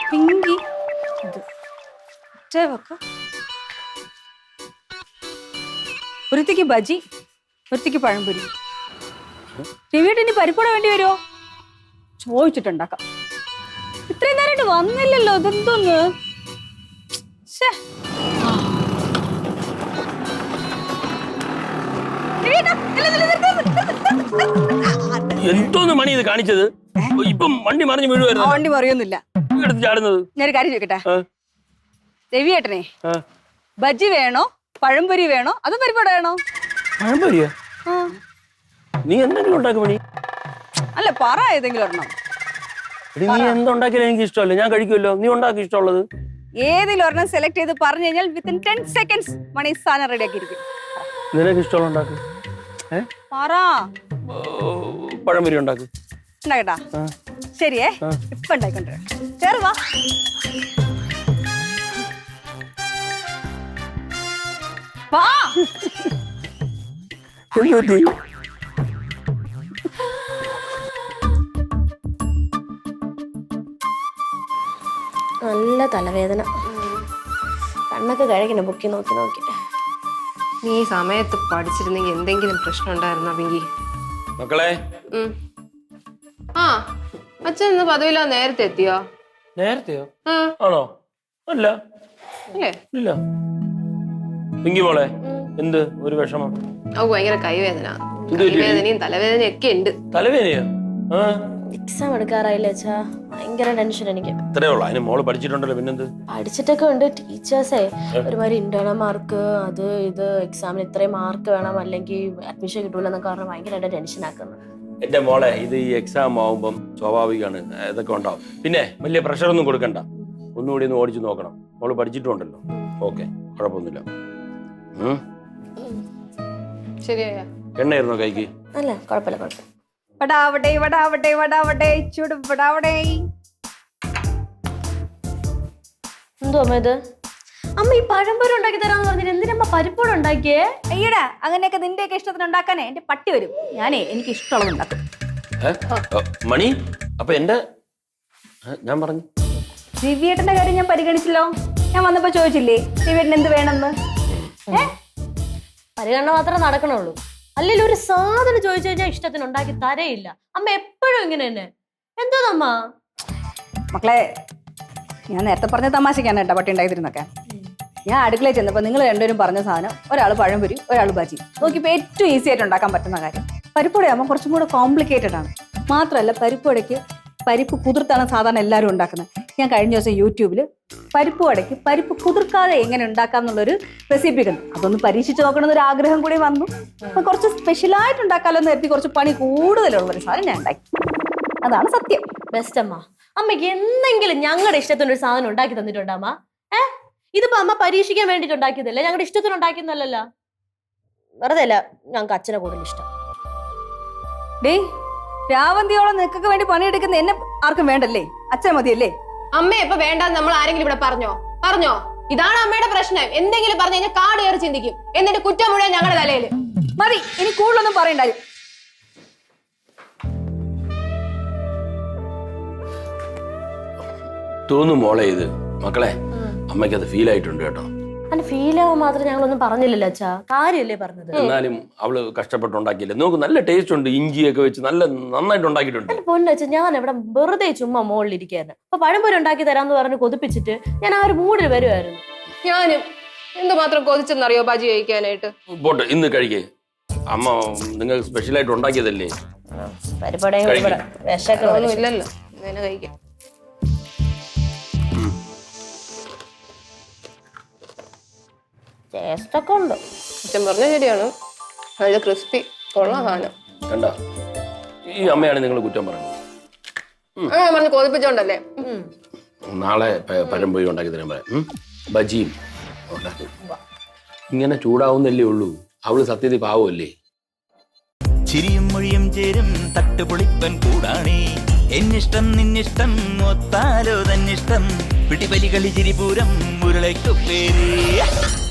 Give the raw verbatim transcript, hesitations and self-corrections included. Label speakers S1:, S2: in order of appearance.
S1: പിങ്കി വെക്ക ഒരുത്തിക്ക് ബജി ഒരുത്തിക്ക് പഴംപൊരി. രവിയേട്ടൻ ഇനി പരിപ്പട വേണ്ടി വരുമോ? ചോദിച്ചിട്ടുണ്ടാക്കാം. ഇത്രയും നേരമായിട്ട് വന്നില്ലല്ലോ, ഇതെന്തോന്ന്?
S2: എന്തോന്ന് മണി ഇത് കാണിച്ചത്? ഇപ്പം വണ്ടി മറിഞ്ഞു വീഴുവായിരുന്നു.
S1: വണ്ടി മറിയൊന്നുമില്ല.
S2: ചാടുന്നത്
S1: ഞാനൊരു കാര്യം ചോദിക്കട്ടെ, രവിയേട്ടനെ ബജി വേണോ പഴംപൊരി വേണോ അതോ പരിപ്പട വേണോ?
S2: പഴംപൊരിയോ? നീ എന്തെങ്കിലും ഉണ്ടാക്കും മണി.
S1: അല്ല പറ ഏതെങ്കിലും ഒരെണ്ണം.
S2: നീ എന്തുണ്ടാക്കിയാലും എനിക്ക് ഇഷ്ടമല്ല, ഞാൻ കഴിക്കുമല്ലോ. നീ ഉണ്ടാക്കി ഇഷ്ടമുള്ളത്
S1: ഏതെങ്കിലും ഒരെണ്ണം സെലക്ട് ചെയ്ത് പറഞ്ഞു കഴിഞ്ഞാൽ വിത്തിൻ ടെൻ സെക്കൻഡ്സ് മണി സാധനം റെഡി ആക്കിയിരിക്കും.
S2: നിനക്ക് ഇഷ്ടമുള്ള ഉണ്ടാക്കും.
S1: പറ.
S2: പഴംപൊരി ഉണ്ടാക്കും.
S1: ഉണ്ടാക്കട്ടാ? ശരിയേ, ഇപ്പൊ ഉണ്ടായിക്കൊണ്ടിരാ. കേറുവാ.
S3: നല്ല തലവേദന, കണ്ണൊക്കെ കഴിക്കണം ബുക്കി നോക്കി നോക്കി.
S4: നീ ഈ സമയത്ത് പഠിച്ചിരുന്നെങ്കിൽ എന്തെങ്കിലും പ്രശ്നം ഉണ്ടായിരുന്നോ പിങ്കി?
S2: മക്കളെ,
S4: ആ അച്ഛൻ ഇന്ന് പതിവില്ല നേരത്തെ എത്തിയോ?
S2: നേരത്തെയോ? ആണോ? അല്ല
S4: അല്ലേ?
S2: ഇല്ല. പിങ്കി മോളെ, എന്ത് ഒരു വിഷമം?
S4: ഓ ഭയങ്കര കൈവേദന, കൈവേദനയും തലവേദനയും ഒക്കെ ഉണ്ട്.
S2: തലവേദനയോ?
S3: എക്സാം എടുക്കാറായില്ലേ അച്ഛാ, ഭയങ്കര ടെൻഷൻ എനിക്ക്.
S2: ഇത്രേ ഉള്ളൂ. അതിന് മോള് പഠിച്ചിട്ടുണ്ടല്ലോ, പിന്നെന്ത്?
S3: പഠിച്ചിട്ടൊക്കെ ഉണ്ട്. ടീച്ചേഴ്സേ ഒരുമാതിരി ഇന്റേണൽ മാർക്ക് അത് ഇത് എക്സാമിന് ഇത്രയും മാർക്ക് വേണം അല്ലെങ്കിൽ അഡ്മിഷൻ കിട്ടൂലെന്നൊക്കെ പറഞ്ഞാൽ ഭയങ്കരമായിട്ട് ടെൻഷൻ ആക്കുന്നു.
S2: എന്റെ മോളെ, ഇത് ഈ എക്സാം ആവുമ്പം സ്വാഭാവികമാണ്, ഇതൊക്കെ ഉണ്ടാവും. പിന്നെ വലിയ പ്രഷർ ഒന്നും കൊടുക്കണ്ട, ഒന്നുകൂടി ഒന്ന് ഓടിച്ചു നോക്കണം. മോള് പഠിച്ചിട്ടുണ്ടല്ലോ, ഓക്കെ, കുഴപ്പമൊന്നുമില്ല.
S4: ശരിയായ
S2: എണ്ണയായിരുന്നോ കൈക്ക്?
S3: അല്ല കുഴപ്പമില്ല കുഴപ്പമില്ല.
S1: വടാവട്ടെ വടാവട്ടെ വടാവട്ടെ ചൂട് വടാവട്ടെ.
S3: എന്തോ അമ്മ ഇത്? അമ്മ ഈ പഴംപൊരി ഉണ്ടാക്കി തരാന്ന് പറഞ്ഞിട്ട് എന്തിനമ്മ പരിപ്പോട് ഉണ്ടാക്കിയേ?
S1: അയ്യടാ, അങ്ങനെയൊക്കെ നിന്റെയൊക്കെ ഇഷ്ടത്തിന് ഉണ്ടാക്കാനേ എന്റെ പട്ടി വരും. ഞാനേ എനിക്ക് ഇഷ്ടമുള്ളത് ഉണ്ടാക്കും.
S2: മണി, അപ്പൊ എന്റെ ഞാൻ പറഞ്ഞു
S1: ദിവ്യേട്ടന്റെ കാര്യം ഞാൻ പരിഗണിച്ചല്ലോ. ഞാൻ വന്നപ്പോ ചോദിച്ചില്ലേ ദിവ്യേട്ടൻ എന്ത് വേണമെന്ന്?
S3: പരിഗണന മാത്രമേ നടക്കണുള്ളൂ. അല്ലെങ്കിൽ ഒരു സാധനം ചോദിച്ചു കഴിഞ്ഞാൽ ഇഷ്ടത്തിന് ഉണ്ടാക്കി തരയില്ല. അമ്മ എപ്പോഴും ഇങ്ങനെ തന്നെ. എന്തോന്നമ്മ?
S1: മക്കളെ, ഞാൻ നേരത്തെ പറഞ്ഞ തമാശക്കാണ് കേട്ടോ പട്ടി ഉണ്ടാക്കിയിരുന്നൊക്കെ. ഞാൻ അടുക്കളയിൽ ചെന്നപ്പോൾ നിങ്ങൾ രണ്ടുപേരും പറഞ്ഞ സാധനം, ഒരാൾ പഴംപൊരി ഒരാൾ ബജി. നോക്കിയപ്പോൾ ഏറ്റവും ഈസി ആയിട്ട് ഉണ്ടാക്കാൻ പറ്റുന്ന കാര്യം പരിപ്പുവടയാകുമ്പോൾ കുറച്ചും കൂടെ കോംപ്ലിക്കേറ്റഡ് ആണ്. മാത്രമല്ല പരിപ്പുവടയ്ക്ക് പരിപ്പ് കുതിർത്താണ് സാധാരണ എല്ലാവരും ഉണ്ടാക്കുന്നത്. ഞാൻ കഴിഞ്ഞ ദിവസം യൂട്യൂബിൽ പരിപ്പ് വടയ്ക്ക് പരിപ്പ് കുതിർക്കാതെ എങ്ങനെ ഉണ്ടാക്കാം എന്നുള്ളൊരു റെസിപ്പി കണ്ടു. അതൊന്ന് പരീക്ഷിച്ച് നോക്കണമെന്നൊരു ആഗ്രഹം കൂടി വന്നു. അപ്പൊ കുറച്ച് സ്പെഷ്യലായിട്ട് ഉണ്ടാക്കാമല്ലോ എന്ന് കരുതി കുറച്ച് പണി കൂടുതലുള്ളൊരു സാധനം ഞാൻ ഉണ്ടാക്കി. അതാണ് സത്യം.
S3: ബെസ്റ്റ് അമ്മ. അമ്മയ്ക്ക് എന്തെങ്കിലും ഞങ്ങളുടെ ഇഷ്ടത്തിനൊരു സാധനം ഉണ്ടാക്കി തന്നിട്ടുണ്ടോ അമ്മ? ഏഹ് ഇതിപ്പോ അമ്മ പരീക്ഷിക്കാൻ വേണ്ടിട്ട് ഉണ്ടാക്കിയതല്ലേ, ഞങ്ങളുടെ ഇഷ്ടത്തിന് ഉണ്ടാക്കിയെന്നല്ലല്ലോ. വെറുതെ അല്ല ഞങ്ങൾക്ക് അച്ഛനെ കൂടുതൽ ഇഷ്ടം.
S1: ഡേ, രാവന്തിയോളം നിനക്കൊക്കെ വേണ്ടി പണിയെടുക്കുന്ന എന്നെ ആർക്കും വേണ്ടല്ലേ? അച്ഛൻ മതിയല്ലേ?
S4: അമ്മ ഇപ്പൊ വേണ്ടെന്ന് നമ്മൾ ആരെങ്കിലും ഇവിടെ പറഞ്ഞോ? പറഞ്ഞോ? ഇതാണ് അമ്മയുടെ പ്രശ്നം. എന്തെങ്കിലും പറഞ്ഞു കഴിഞ്ഞാൽ കാട് കയറി ചിന്തിക്കും, എന്നിട്ട് കുറ്റം മുഴുവൻ ഞങ്ങളുടെ തലയില്.
S1: മതി, ഇനി കൂടുതലൊന്നും പറയണ്ടായി.
S2: തോന്നും മോളെ, ഇത് മക്കളെ അമ്മയ്ക്ക് അത് ഫീൽ ആയിട്ടുണ്ട് കേട്ടോ.
S3: അല്ല ഫീൽ ആവാൻ മാത്രം ഞങ്ങളൊന്നും പറഞ്ഞില്ലല്ലോ അച്ഛാ, കാര്യല്ലേ പറഞ്ഞത്.
S2: എന്നാലും അവള് കഷ്ടപ്പെട്ടുണ്ടാക്കിയില്ലേ, നോക്ക് നല്ല ടേസ്റ്റ് ഉണ്ട്. ഇഞ്ചിയൊക്കെ വെച്ച് നല്ല നന്നായിട്ട് ഉണ്ടാക്കിയിട്ടുണ്ട്.
S3: പൊന്നച്ച, ഞാൻ ഇവിടെ വെറുതെ ചുമ്മാ മുകളിലിരിക്കായിരുന്നു. അപ്പൊ പഴംപൊരി ഉണ്ടാക്കി തരാന്ന് പറഞ്ഞ് കൊതിപ്പിച്ചിട്ട് ഞാൻ ആ ഒരു മൂഡിൽ വരുമായിരുന്നു.
S4: ഞാനും എന്തുമാത്രം കൊതിച്ചെന്നറിയോ ബജി കഴിക്കാനായിട്ട്.
S2: പോട്ടെ, ഇന്ന് കഴിക്കേ. അമ്മ നിങ്ങൾ സ്പെഷ്യലായിട്ട് ഉണ്ടാക്കിയതല്ലേ.
S3: പരിപാടിയും വിശക്കൊന്നും
S4: ഇല്ലല്ലോ, ഇങ്ങനെ കഴിക്കാം.
S3: ടേസ്റ്റൊക്കെ ഉണ്ട്.
S4: അച്ഛൻ പറഞ്ഞ ശരിയാണ്, നല്ല ക്രിസ്പി കൊള്ളാം സാധനം.
S2: കണ്ട, ഈ അമ്മയാണ് നിങ്ങൾ കുറ്റം പറയുന്നത്.
S4: അങ്ങനെ പറഞ്ഞ് കൊതിപ്പിച്ചോണ്ടല്ലേ.
S2: നാളെ പഴംപൊരി ഉണ്ടാക്കി തരാൻ പറയാം, ബജിയും ഉണ്ടാക്കും. ഇങ്ങനെ ചൂടാവുന്നല്ലേ ഉള്ളൂ. അവള് സത്യത്തിൽ പാവമല്ലേ.
S5: ചിരിയും മൊഴിയും ചേരും തട്ടുപൊളിപ്പൻ കൂടാണേ. എന്നിഷ്ടം നിന്നിഷ്ടം ഒത്താലോ തന്നിഷ്ടം. പിടിപലി കളി ചിരിപൂരം മുരളയ്ക്കു പേര്.